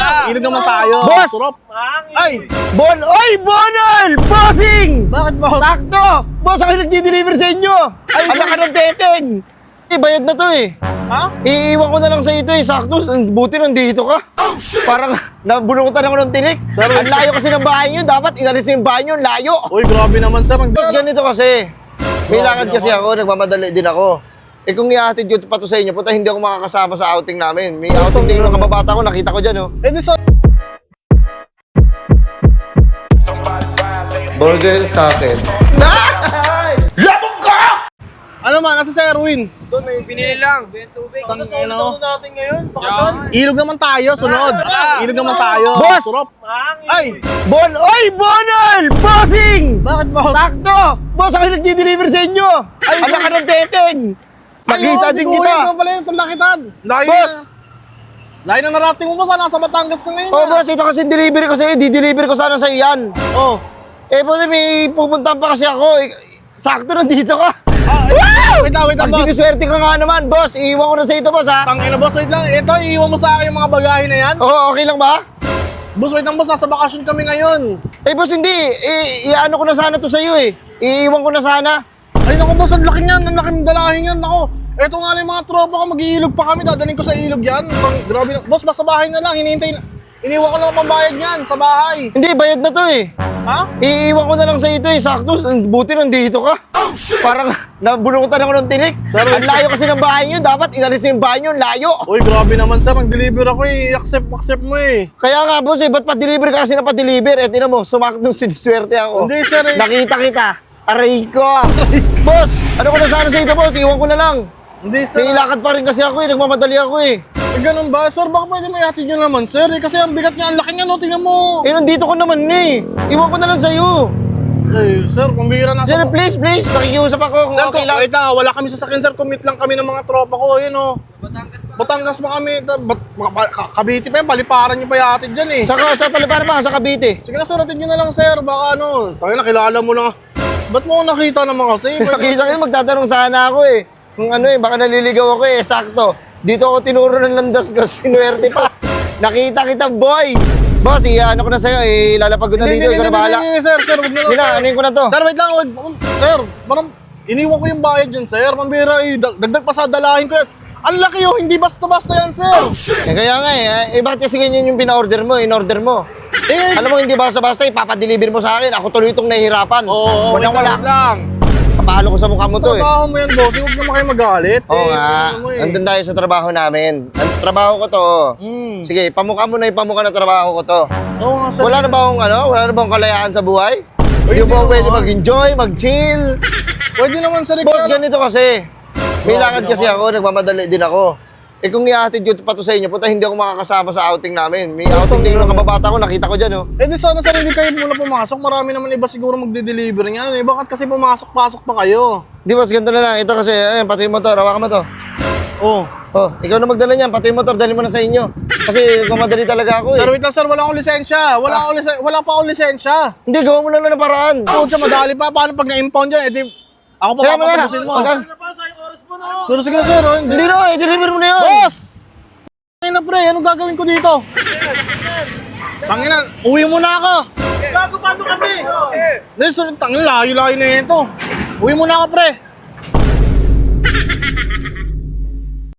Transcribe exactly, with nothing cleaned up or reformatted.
Ilog naman tayo. Boss! Surop. Ay! Bon! Oy! Bonal! Bossing! Bakit, boss? Sakto! Boss, ako yung nagdi-deliver sa inyo! Ay, anak ka ng teteng! Eh, bayad na to eh. Ha? Iiwan ko na lang sa ito eh. Sakto, buti nandito ka. Parang nabunutan ako ng tinik. Sir, ang layo kasi ng bahay nyo. Dapat inalis na yung bahay nyo. Layo. Uy, grabe naman, sir. Ang Boss, ganito kasi. May Grabe lakad kasi naman. ako. Nagmamadali din ako. Eh kung i-hatid ko pa to sa inyo, puta hindi ako makakasama sa outing namin. May outing din ng kababata ko. Nakita ko dyan oh. Eh, di sa... Burger sa akin. Ano man, nasa si Erwin. Doon, may binili lang. May tubig. Tang- Ano ano? sa natin ngayon? Bakasal? Ilog naman tayo, sunod. Ilog naman tayo. Boss! Surop. Hangin. Ay! Bon! Oy! Bonal! Bossing! Bakit, boss? Sakto! Boss, ako yung nagdi-deliver sa inyo! Ay, anak ka ng teteng! Nakita Ay, din oh, si kita! Kuya, ikaw pala yung panlakitan. Layo Boss! na. Layo na narating mo, boss. ah, Nasa Batangas ka ngayon. Oh, ah. boss, ito kasi delivery ko sa'yo. Di-deliver ko sana sa'yo yan. Oh. Eh, boss, may pupuntahan pa kasi ako. Eh, sakto nandito ka. Ah, eh, wait lang, wait lang, Pag boss. siniswerte ka nga naman, boss. Iiwan ko na sa ito, boss, ha? Tangina, boss, wait lang. Ito, iiwan mo sa akin yung mga bagahe na yan. Oo, okay lang ba? Boss, wait lang, boss. Nasa bakasyon kami ngayon. Eh, boss, hindi. Eh, iano ko na sana to sa'yo, eh. Iiwan ko na sana. Ay, naku, boss. Ang laki niyan. Ang laki ng dalahin yan. Naku. Eto nga lang yung mga tropa ko. Mag-iilog pa kami. Dadaling ko sa ilog yan. Pang, grabe na. Boss, basta bahay na lang. Hinihintay na. Iniwan ko lang ang pambayad niyan sa bahay. Hindi, bayad na to, eh. Ha? Iiwan ko na lang sa ito, eh. Sakto, buti nandito ka. Parang nabunutan ako ng tinik. Sir, Ang layo kasi ng bahay nyo. Dapat inalis na yung bahay nyo. Layo. Uy, grabe naman, sir. Nag-deliver ako eh. Accept, accept mo eh. Kaya nga, boss, eh. Ba't pa-deliver ka kasi na pa-deliver? Eh, tinan mo, sumakitong siniswerte ako. Hindi, sir, eh. Nakita kita. Aray ko. Boss, ano ko na sana sa ito, boss? Iwan ko na lang. Hindi, sir. May lakad pa rin kasi ako, eh. Nagmamadali ako, eh. Eh, ganun ba? Sir, baka pwede may hatid nyo naman, sir. Eh, kasi ang bigat niya. Ang laki niya, no? Tingnan mo. Eh, nandito ko naman, eh. Iwan ko na lang sa'yo. Eh, sir, pambihira na Sir, please, please. Nakikiusap ako kung Sir, okay kung, lang. wait lang, wala kami sasakyan, sir. Commit lang kami ng mga tropa ko. Ayun, oh. Batangas pa kami. Ta- Bat, mga pa- ka- Cavite pa yan. Paliparan nyo pa yatid dyan, eh. Saka, sa palipara ba? Sa Cavite. Sige na, suratin nyo na lang, sir. Baka ano, tayo na, kilala mo lang. Ba't mo ako nakita naman kasi? Nakita ko, magtatanong sana ako, eh. Kung ano, eh, baka naliligaw ako, eh. Sakto. Dito ako tinuro ng landas ko. Sinuwerte pa. Nakita kita, boy. Boss, i-ano ko na sa'yo. Eh, lalapag ko na Hindi, dito. hindi, Ikaw na hindi, bahala. hindi, hindi, sir, sir, wag na lang, Hindi na, sir. anuin ko na to. Sir, wait lang, wag, um, sir, parang iniwan ko yung bayad dyan, sir. Pambira, eh, dag- dagdag pa sa dalahin ko yan. Ang laki, oh, hindi basta-basta yan, sir. Eh, kaya nga, eh. Eh, bakit kasi ganyan yung pina-order mo, in-order mo? Eh, Alam mo, hindi basta-basta, ipapadeliver mo sa akin. Ako tuloy itong nahihirapan. oo, wait Walang lang, wala. wait lang. Kapalo ko sa mukha mo to, eh. Trabaho mo yan, boss. Huwag naman kayo magalit. Oo eh, nga. ano mo, eh. Nandun tayo sa trabaho namin. Ang trabaho ko to. oh. Mm. Sige, pamukha mo na ipamukha na trabaho ko to. Oo nga, sir. Wala na ba akong ano? Wala na ba akong kalayaan sa buhay? Hindi hindi mo naman. pwede mag-enjoy, mag-chill. Pwede naman, sir. Boss, ikaw- ganito kasi. May Grabe lakad kasi naman. ako, nagmamadali din ako. Eh kung i-hatid ko pa to sa inyo, puta hindi ako makakasama sa outing namin. May outing din ng kababata ko, nakita ko dyan, oh. Eh di sana, sir, hindi kayo muna pumasok. Marami naman iba siguro magde-deliver niyan. Eh, bakit kasi pumasok-pasok pa kayo? Di boss, ganito na lang. Ito kasi, ayun, pati yung motor, hawakan mo to. Oh. Oh, ikaw na magdala niyan, pati yung motor, dali mo na sa inyo. Kasi nagmamadali talaga ako, eh. Sir, wait lang, sir. Wala akong lisensya. Wala, akong lisen- wala pa akong lisensya. Hindi, gawa mo lang na ng paraan. Oh, siya, madali pa. Paano pag na-impound yan? Eh, di, ako pa Kaya mo na. papapusin mo. Pagka- Ano pa sa oras mo na? Sir, sige na, sir. Oh, hindi. Hindi na, i-deliver mo na yun. Boss! Tangina, pre. Anong gagawin ko dito? Tangina, uwi muna ako. Gago, paano kami? Hindi, sir, tangina, layo-layo na ito. Uwi muna ako, pre.